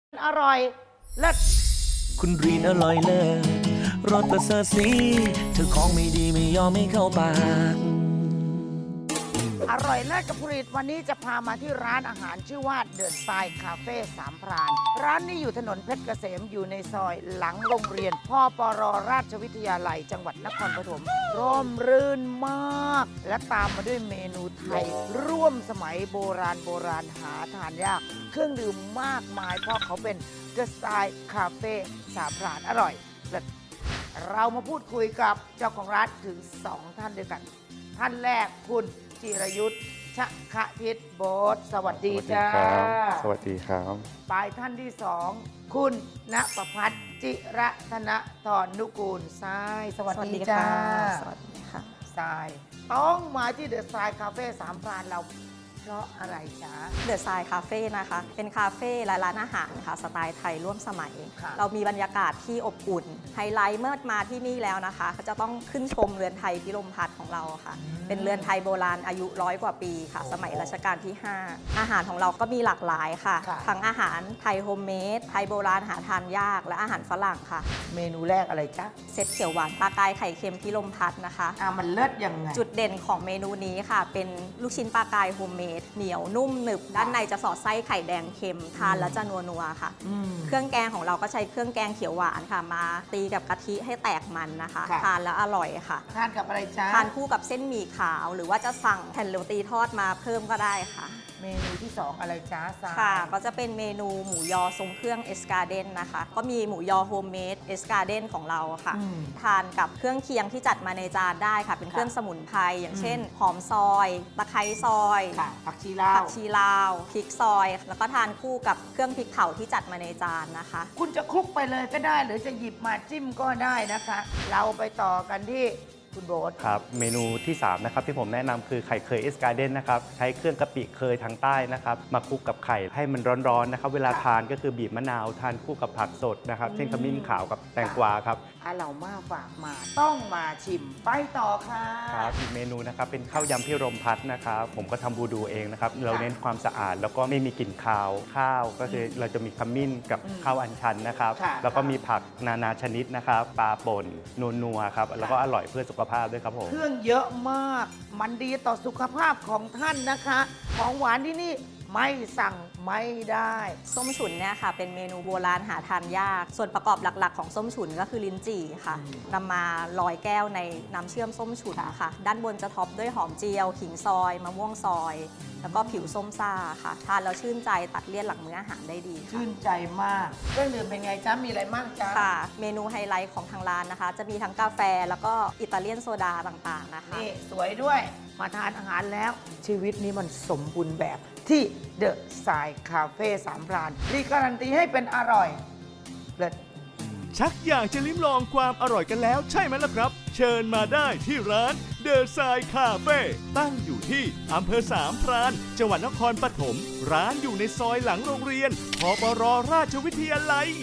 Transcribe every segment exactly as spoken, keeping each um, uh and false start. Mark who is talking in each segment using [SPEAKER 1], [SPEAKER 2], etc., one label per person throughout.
[SPEAKER 1] อร่อยเลิศ
[SPEAKER 2] คุณรีนอร่อยเลิศรสประเสริฐสีเธอของไม่ดีไม่ยอมไม่เข้าปาก
[SPEAKER 1] อร่อยเลิศกับผลิตวันนี้จะพามาที่ร้านอาหารชื่อว่าเดอะสไตล์คาเฟ่สามพรานร้านนี้อยู่ถนนเพชรเกษมอยู่ในซอยหลังโรงเรียนพ่อปรราชวิทยาลัยจังหวัดนครปฐมร่มรื่นมาก และตามมาด้วยเมนูไทย ร่วมสมัยโบราณโบราณหาทานยาก เครื่องดื่มมากมายเพราะเขาเป็นเดอะสไตล์คาเฟ่สามพรานอร่อยเลิศเรามาพูดคุยกับเจ้าของร้านถึงสองท่านด้วยกัน ท่านแรกคุณจิรยุทธ์ชะคะทิศโบสสวัสดีจ้า
[SPEAKER 3] สวัสดีครับ
[SPEAKER 1] ปลายท่านที่สองคุณณประพัฒน์จิระธนทรนุกูลทรายสวัสดีจ้า
[SPEAKER 4] สวัสดีค่ะ
[SPEAKER 1] ทรายต้องมาที่เดอะทรายคาเฟ่สามพรานเราเพราะอะไรจ๊ะ
[SPEAKER 4] เดอะไซน์คาเฟ่นะคะ เป็นคาเฟ่และร้านอาหารค่ะสไตล์ไทยร่วมสมัย
[SPEAKER 1] ค่ะ
[SPEAKER 4] เรามีบรรยากาศที่อบอุ่น ไฮไลท์เมื่อมาที่นี่แล้วนะคะก็จะต้องขึ้นชมเรือนไทยพิรมพัฒน์ของเราค่ะ เป็นเรือนไทยโบราณอายุร้อยกว่าปีค่ะ สมัยรัชกาลที่ ห้า อาหารของเราก็มีหลากหลายค่ะ
[SPEAKER 1] ค่ะ
[SPEAKER 4] ทั้งอาหารไทยโฮมเมด ไทยโบราณหาทานยาก และอาหารฝรั่งค่ะ
[SPEAKER 1] เมนูแรกอะไรจ๊ะ
[SPEAKER 4] เซตเขียวหวานปลากายไข่เค็มพิรมพัฒน์นะคะ
[SPEAKER 1] อ่ะมันเลิศยังไง
[SPEAKER 4] จุดเด่นของเมนูนี้ค่ะ เป็นลูกชิ้นปลากายโฮมเมดเหนียวนุ่มหนึบ ด้านในจะสอดไส้ไข่แดงเค็มทานแล้วจะนัวๆค่ะ
[SPEAKER 1] อืม
[SPEAKER 4] เครื่องแกงของเราก็ใช้เครื่องแกงเขียวหวานค่ะ มาตีกับกะทิให้แตกมันนะคะ
[SPEAKER 1] ค่ะ
[SPEAKER 4] ทานแล้วอร่อยค่ะ
[SPEAKER 1] ทานกับอะไรจ๊ะ
[SPEAKER 4] ทานคู่กับเส้นหมี่ขาว หรือว่าจะสั่งแผ่นโรตีทอดมาเพิ่มก็ได้ค่ะ
[SPEAKER 1] เมนูที่สองอะไรจ๊ะทราย
[SPEAKER 4] ค่ะ ก็จะเป็นเมนูหมูยอทรงเครื่องเอสการ์เดนนะคะ ก็มีหมูยอโฮมเมดเอสการ์เดนของเราค่ะ
[SPEAKER 1] อืม
[SPEAKER 4] ทานกับเครื่องเคียงที่จัดมาในจานได้ค่ะ เป็นเครื่องสมุนไพรอย่างเช่น หอมซอยตะไคร้ซอย
[SPEAKER 1] ค่ะผักชีลา
[SPEAKER 4] ผั
[SPEAKER 1] ว
[SPEAKER 4] กชีลาวพริกซอย แล้วก็ทานคู่กับเครื่องพริกเผาที่จัดมาในจานนะคะ
[SPEAKER 1] คุณจะคลุกไปเลยก็ได้ หรือจะหยิบมาจิ้มก็ได้นะคะ เราไปต่อกันที่คุณโบ๊ท
[SPEAKER 3] ครับ เมนูที่ สาม นะครับที่ผมแนะนำคือไข่เคยเอสการ์เดนนะครับ ใช้เครื่องกะปิเคยทางใต้นะครับ มาคลุกกับไข่ให้มันร้อนๆนะครับ เวลาทานก็คือบีบมะนาวทานคู่กับผักสดนะครับ เช่นขมิ้นขาวกับแตงกวาครับ
[SPEAKER 1] อาเหล่ามาฝากมาต้องมาชิมไปต่อค่ะ
[SPEAKER 3] ครับอีกเมนูนะครับเป็นข้าวยำพิรมพัฒน์นะครับผมก็ทำบูดูเองนะครับเราเน้นความสะอาดแล้วก็ไม่มีกลิ่นคาวข้าวก็คือเราจะมีขมิ้นกับ
[SPEAKER 1] อืม
[SPEAKER 3] ข้าวอัญชันนะครับ
[SPEAKER 1] ค่ะ
[SPEAKER 3] แล้วก็มีผักนานาชนิดนะครับปลาป่นนัวๆครับแล้วก็อร่อยเพื่อสุขภาพด้วยครับผม
[SPEAKER 1] เครื่องเยอะมาก มันดีต่อสุขภาพของท่านนะคะ ของหวานที่นี่ไม่สั่งไม่ได้
[SPEAKER 4] ส้มฉุนเนี่ยค่ะเป็นเมนูโบราณหาทานยาก ส่วนประกอบหลักๆของส้มฉุนก็คือลิ้นจี่ค่ะ
[SPEAKER 1] อืม
[SPEAKER 4] นำมาลอยแก้วในน้ำเชื่อมส้มฉุนค่ะ ด้านบนจะท็อปด้วยหอมเจียว ขิงซอยมะม่วงซอย แล้วก็ผิวส้มซ่าค่ะ ทานแล้วชื่นใจตัดเลี่ยนหลังมื้ออาหารได้ดีค่ะ
[SPEAKER 1] ชื่นใจมากเครื่องดื่มเป็นไงจ๊ะ มีอะไรบ้างจ๊ะ
[SPEAKER 4] ค่ะ เมนูไฮไลท์ของทางร้านนะคะ จะมีทั้งกาแฟแล้วก็อิตาเลียนโซดาต่างๆนะคะ
[SPEAKER 1] นี่สวยด้วยมาทานอาหารแล้ว ชีวิตนี้มันสมบูรณ์แบบที่เดอะสายคาเฟ่สามพรานรีการันตีให้เป็นอร่อยเลิศ
[SPEAKER 5] ชักอยากจะลิ้มลองความอร่อยกันแล้วใช่ไหมล่ะครับ เชิญมาได้ที่ร้านเดอะไซน์คาเฟ่ตั้งอยู่ที่อำเภอสามพรานจังหวัดนครปฐมร้านอยู่ในซอยหลังโรงเรียนพปรราชวิทยาลัย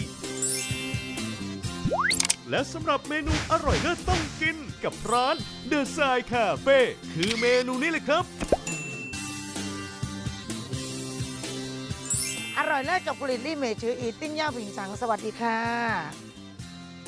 [SPEAKER 5] และสำหรับเมนูอร่อยเลิศต้องกินกับร้านเดอะไซน์คาเฟ่คือเมนูนี้เลยครับ
[SPEAKER 1] อร่อยเลิศกับผลิตลี่เมชืออีติ้งย่าผิงสังสวัสดีค่ะ